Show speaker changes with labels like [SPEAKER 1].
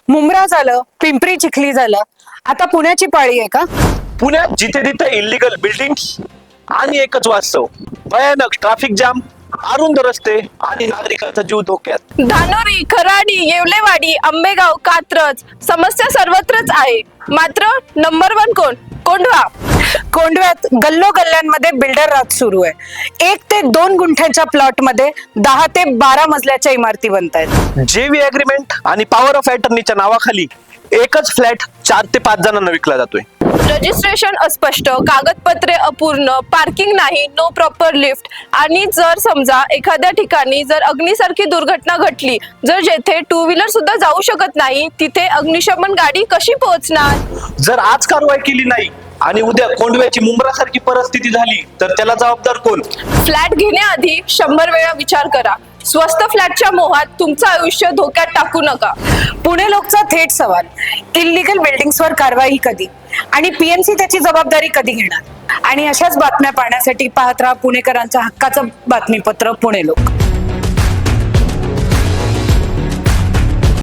[SPEAKER 1] मुंब्रा झालं, पिंपरी चिखली झालं, आता पुण्याची पाळी आहे का?
[SPEAKER 2] पुण्यात जिथे तिथे इलिगल बिल्डिंग्स आणि एकच वास्तव, भयानक ट्रॅफिक जाम, अरुंद रस्ते आणि नागरिकांचा जीव धोक्यात.
[SPEAKER 3] धानोरी, खराडी, येवलेवाडी, आंबेगाव, कात्रज समस्या सर्वत्रच आहे. मात्र नंबर 1 कोण? कोंढवा.
[SPEAKER 1] कोंढव्यात गल्लोगल्ल्यांमध्ये बिल्डर राज सुरू आहे. 1 ते 2 गुंठ्यांच्या प्लॉट मध्ये 10 ते 12 मजल्याच्या इमारती बनतायत.
[SPEAKER 2] जेवी अग्रीमेंट आणि पॉवर ऑफ अटर्नीच्या नावाखाली एकच फ्लॅट 4 ते 5 जणांना विकला जातोय.
[SPEAKER 3] रजिस्ट्रेशन अस्पष्ट, कागदपत्रे अपूर्ण, पार्किंग नाही, नो प्रॉपर लिफ्ट. आणि जर समजा एखाद्या ठिकाणी जर अग्नीसारखी दुर्घटना घडली, जर जेथे 2 व्हीलर सुद्धा जाऊ शकत नाही, तिथे अग्निशमन गाडी कशी पोहोचणार?
[SPEAKER 2] जर आज कारवाई केली नाही आणि उद्या कोंढव्याची मुंब्रासारखी परिस्थिती झाली तर त्याला जबाबदार कोण?
[SPEAKER 3] फ्लॅट घेण्याआधी 100 वेळा विचार करा. स्वस्त फ्लॅटच्या मोहात तुमचं आयुष्य धोक्यात टाकू नका.
[SPEAKER 1] पुणे लोकचा थेट सवाल, इल्लीगल बिल्डिंग्सवर कारवाई कधी आणि पीएमसी त्याची जबाबदारी कधी घेणार? आणि अशाच बातम्या पाहण्यासाठी पाहत राहा पुणेकरांच्या हक्काचं बातमीपत्र पुणे लोक.